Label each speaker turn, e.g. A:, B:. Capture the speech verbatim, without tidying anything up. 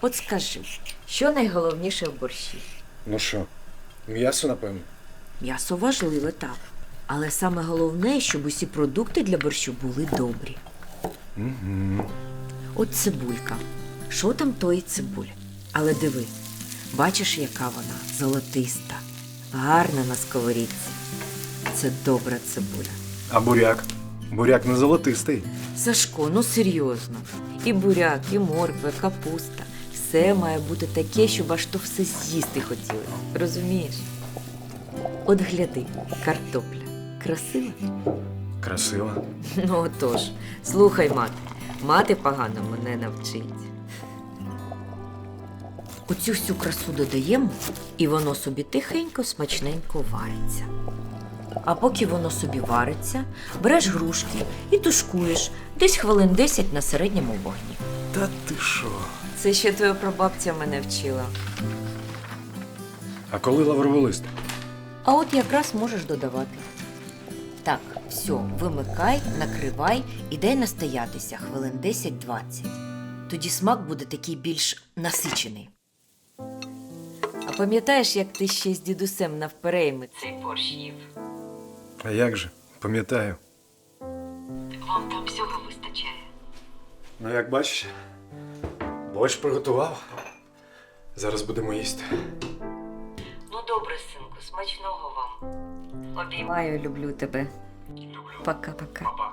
A: От скажи, що найголовніше в борщі?
B: Ну що, м'ясо, напевно.
A: М'ясо важливе, так. Але саме головне, щоб усі продукти для борщу були добрі.
B: Угу.
A: От цибулька. Що там тої цибулі? Але диви, бачиш, яка вона золотиста, гарна на сковорідці. Це добра цибуля.
B: А буряк? Буряк не золотистий.
A: Сашко, ну серйозно. І буряк, і морква, і капуста. Все має бути таке, щоб аж то все з'їсти хотіли. Розумієш? От гляди, картопля. Красива?
B: Красиво.
A: Ну отож, слухай, мати. Мати погано мене навчить. Оцю всю красу додаємо, і воно собі тихенько, смачненько вариться. А поки воно собі вариться, береш грушки і тушкуєш десь хвилин десять на середньому вогні.
B: Та ти що?
A: Це ще твоя прабабця мене вчила.
B: А коли лавровий лист?
A: А от якраз можеш додавати. Так, все, вимикай, накривай і дай настоятися хвилин десять-двадцять. Тоді смак буде такий більш насичений. А пам'ятаєш, як ти ще з дідусем навперейми цей борщ їв?
B: А як же? Пам'ятаю.
A: Вам там всього вистачає.
B: Ну, як бачиш, борщ приготував. Зараз будемо їсти.
A: Ну добре, синку, смачного вам. Обіймаю, люблю тебе.
B: Люблю.
A: Пока-пока.
B: Папа.